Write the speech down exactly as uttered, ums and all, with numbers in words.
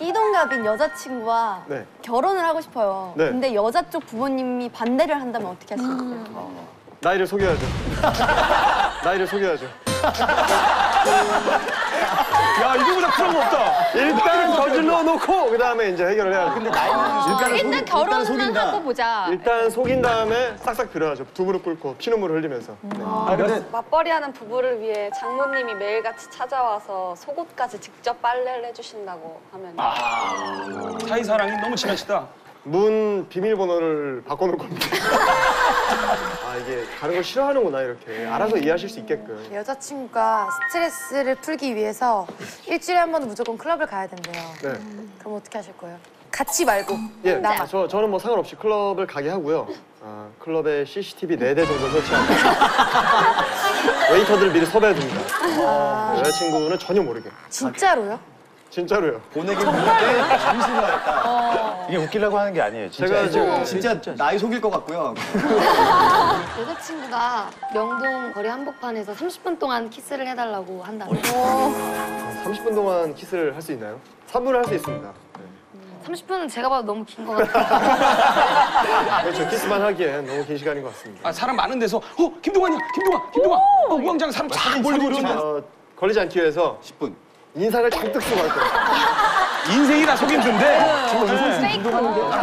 띠동갑인 여자친구와 네. 결혼을 하고 싶어요. 네. 근데 여자 쪽 부모님이 반대를 한다면 어떻게 하시겠어요? 음. 나이를 속여야죠. 나이를 속여야죠. 야, 이거보다 쿨한 거 없다. 일단 저질러 놓고 그다음에 이제 해결을 해야죠. 근데 어, 일단 결혼은 하고 보자. 일단 속인 다음에 싹싹 빌어야죠. 두 무릎 꿇고 피눈물 흘리면서. 네. 아, 근데 맞벌이하는 부부를 위해 장모님이 매일같이 찾아와서 속옷까지 직접 빨래를 해주신다고 하면 아, 사이사랑이 너무 친하시다. 문 비밀번호를 바꿔놓을 겁니다. 아, 이게 가는 걸 싫어하는구나, 이렇게. 알아서 이해하실 수 있게끔. 여자친구가 스트레스를 풀기 위해서 일주일에 한 번은 무조건 클럽을 가야 된대요. 네. 그럼 어떻게 하실 거예요? 같이 말고. 예, 나. 아, 저, 저는 뭐 상관없이 클럽을 가게 하고요. 아, 클럽에 씨씨티비 네 대 정도 설치하고 웨이터들을 미리 섭외해둡니다. 아, 여자친구는 전혀 모르게. 진짜로요? 진짜로요. 보내긴 보냈는데 잠시만 했다. 이게 웃기려고 하는 게 아니에요. 진짜. 제가 지금 진짜 나이 속일 것 같고요. 여자친구가 명동 거리 한복판에서 삼십 분 동안 키스를 해달라고 한다고. 삼십 분 동안 키스를 할 수 있나요? 삼 분을 할 수 있습니다. 네. 삼십 분은 제가 봐도 너무 긴 것 같아요. 그렇죠. 키스만 하기엔 너무 긴 시간인 것 같습니다. 아, 사람 많은 데서 어, 김동완이야, 김동완, 김동완. 어, 우왕좌왕 사람 쫙 몰리고 이러는데. 어, 걸리지 않기 위해서 십 분. 인상을 잔뜩 쓰고 갈 거예요. 인생이 다 속임수인데. 페이크.